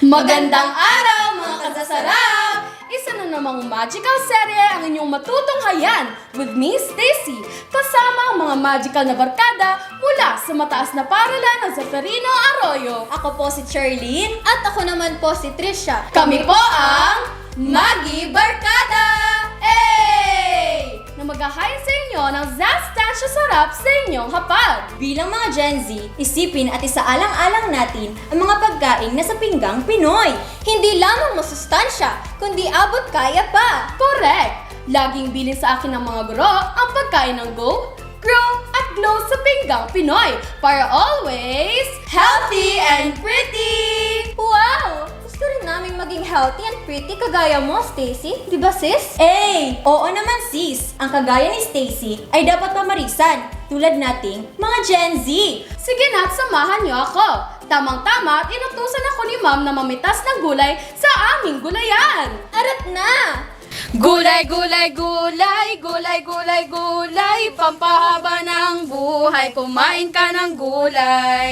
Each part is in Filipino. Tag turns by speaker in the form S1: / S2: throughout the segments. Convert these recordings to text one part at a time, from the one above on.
S1: Magandang araw mga kasasarap! Isa na namang magical serye ang inyong matutunghayan with me, Stacy, kasama ang mga magical na barkada mula sa mataas na paralan ng Zeferino Arroyo.
S2: Ako po si Charlene. At ako naman po si Trisha.
S1: Kami po ang Magi Barkada! Hey! Na maghahain sa inyo ng zastansya sarap sa inyong hapag.
S2: Bilang mga Gen Z, isipin at isaalang-alang natin ang mga pagkain na sa pinggang Pinoy. Hindi lamang masustansya, kundi abot kaya pa.
S1: Correct! Laging bilin sa akin ng mga guro ang pagkain ng go, grow, at glow sa pinggang Pinoy para always healthy and pretty!
S2: Wow! Gusto rin naming maging healthy and pretty kagaya mo, Stacy. Di ba, sis? Oo naman, sis. Ang kagaya ni Stacy ay dapat pamarisan, tulad nating mga Gen Z.
S1: Sige na't samahan niyo ako. Tamang-tama at inutusan ako ni ma'am na mamitas ng gulay sa aming gulayan.
S2: Arat na!
S1: Gulay, gulay, gulay, gulay, gulay, gulay, pampahaba ng buhay, kumain ka ng gulay.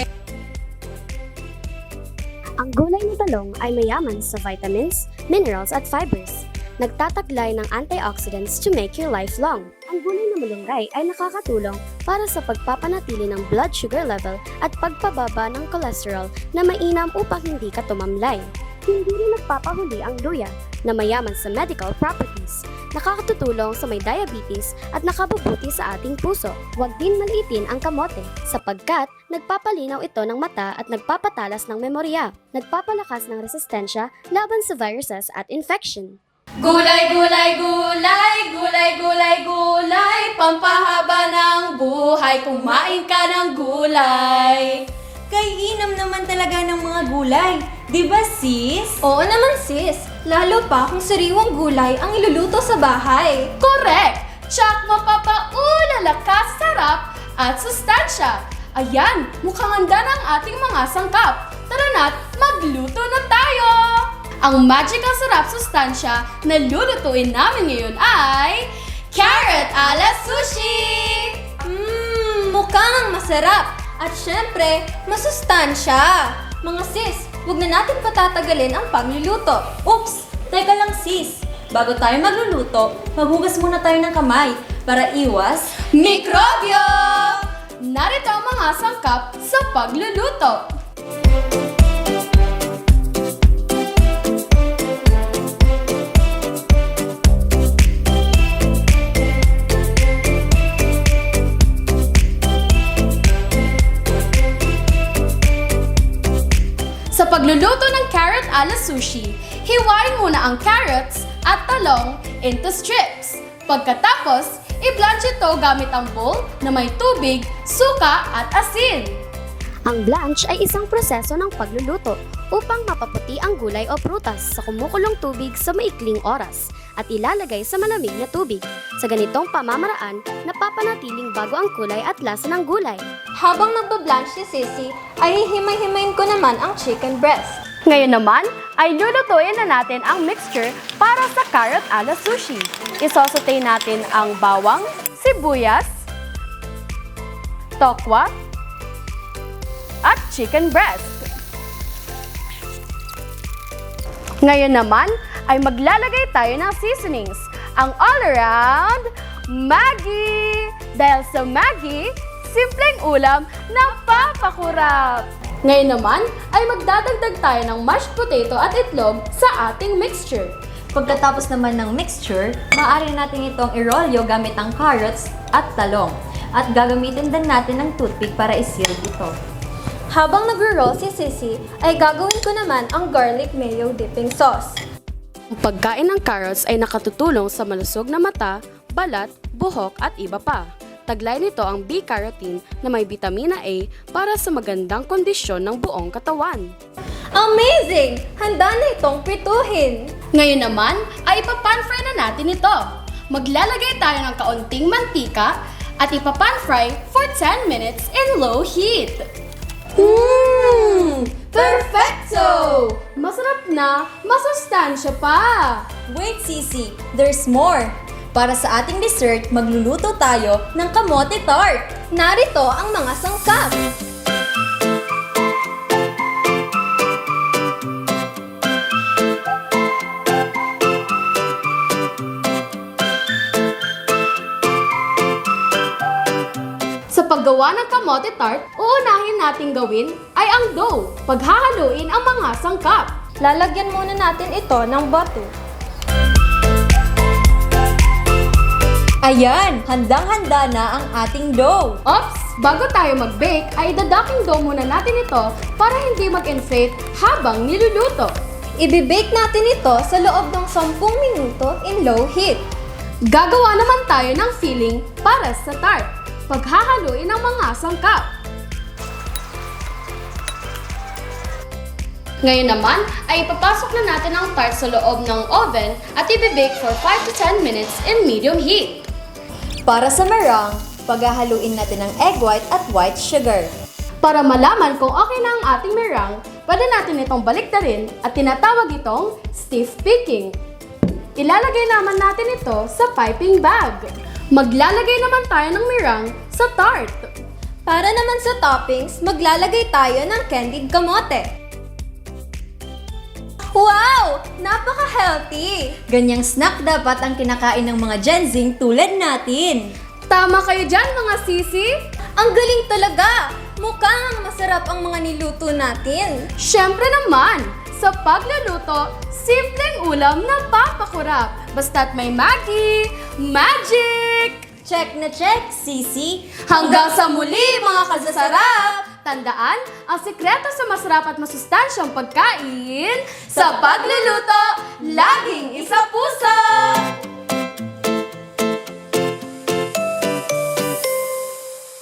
S3: Ang gulay na talong ay mayaman sa vitamins, minerals at fibers. Nagtataglay ng antioxidants to make your life long. Ang gulay na malunggay ay nakakatulong para sa pagpapanatili ng blood sugar level at pagpababa ng cholesterol na mainam upang hindi ka tumamlay. Hindi rin nagpapahuli ang luya na mayaman sa medical properties. Nakakatutulong sa may diabetes at nakabubuti sa ating puso. Huwag din maliitin ang kamote sapagkat nagpapalinaw ito ng mata at nagpapatalas ng memorya. Nagpapalakas ng resistensya laban sa viruses at infection.
S1: Gulay, gulay, gulay, gulay, gulay, gulay, pampahaba ng buhay, kumain ka ng gulay.
S2: Kaiinam naman talaga ng mga gulay. Di ba, sis?
S4: Oo naman sis, lalo pa kung sariwang gulay ang iluluto sa bahay.
S1: Correct! Tsak mapapaulala ka sa sarap at sustansya. Ayan, mukhang handa na ang ating mga sangkap. Tara na't magluto na tayo! Ang magical sarap sustansya na lulutuin namin ngayon ay carrot ala sushi!
S4: Mukhang masarap. At syempre, masustansya. Mga sis, huwag na natin patatagalin ang pagluluto.
S2: Oops! Teka lang, sis. Bago tayo magluluto, maghugas muna tayo ng kamay para iwas.
S1: Mikrobyo! Narito ang mga sangkap sa pagluluto. Sa pagluluto ng carrot ala sushi, hiwain muna ang carrots at talong into strips. Pagkatapos, i-blanch ito gamit ang bowl na may tubig, suka at asin.
S3: Ang blanch ay isang proseso ng pagluluto upang mapaputi ang gulay o prutas sa kumukulong tubig sa maikling oras at ilalagay sa malamig na tubig. Sa ganitong pamamaraan, napapanatiling bago ang kulay at lasa ng gulay.
S4: Habang nagbablanch si Sissy, ay hihimay-himayin ko naman ang chicken breast.
S1: Ngayon naman, ay lulutuin na natin ang mixture para sa carrot ala sushi. Isosotay natin ang bawang, sibuyas, tokwa, at chicken breast. Ngayon naman, ay maglalagay tayo ng seasonings, ang all-around Maggi! Dahil sa Maggi, simpleng ulam na papakurap. Ngayon naman, ay magdadagdag tayo ng mashed potato at itlog sa ating mixture.
S2: Pagkatapos naman ng mixture, maaari natin itong irolyo gamit ang carrots at talong. At gagamitin din natin ng toothpick para i-seal ito.
S4: Habang nagro-roll si Sissy, ay gagawin ko naman ang garlic mayo dipping sauce.
S1: Ang pagkain ng carrots ay nakatutulong sa malusog na mata, balat, buhok at iba pa. Taglay nito ang B-carotene na may vitamina A para sa magandang kondisyon ng buong katawan.
S4: Amazing! Handa na itong prituhin.
S1: Ngayon naman ay ipapan-fry na natin ito. Maglalagay tayo ng kaunting mantika at ipapan-fry for 10 minutes in low heat. Perfecto! Masarap na, masustansya pa!
S2: Wait, Sisi! There's more! Para sa ating dessert, magluluto tayo ng kamote tart!
S4: Narito ang mga sangkap.
S1: Sa paggawa ng kamote tart, uunahin nating gawin ay ang dough. Paghahaluin ang mga sangkap.
S4: Lalagyan muna natin ito ng butter.
S2: Ayan, handang-handa na ang ating dough.
S1: Ops! Bago tayo mag-bake, ay dadaking dough muna natin ito para hindi mag-inflate habang niluluto.
S4: Ibe-bake natin ito sa loob ng 10 minuto in low heat.
S1: Gagawa naman tayo ng filling para sa tart. Paghahaluin ang mga sangkap. Ngayon naman ay ipapasok na natin ang tart sa loob ng oven at ibe-bake for 5 to 10 minutes in medium heat.
S2: Para sa meringue, paghahaluin natin ang egg white at white sugar.
S1: Para malaman kung okay na ang ating meringue, pwede natin itong baliktarin at tinatawag itong stiff baking. Ilalagay naman natin ito sa piping bag. Maglalagay naman tayo ng meringue sa tart.
S4: Para naman sa toppings, maglalagay tayo ng candied kamote. Wow! Napaka-healthy!
S2: Ganyang snack dapat ang kinakain ng mga Gen Z tulad natin.
S1: Tama kayo dyan mga sisi?
S4: Ang galing talaga! Mukhang masarap ang mga niluto natin.
S1: Siyempre naman, sa pagluluto, simpleng ulam na papakurap. Basta't may Maggie, magic!
S2: Check na check, Sisi!
S1: Hanggang sa muli mga kasasarap! Tandaan, ang sikreto sa masarap at masustansyang pagkain, sa pagluluto, laging isa puso!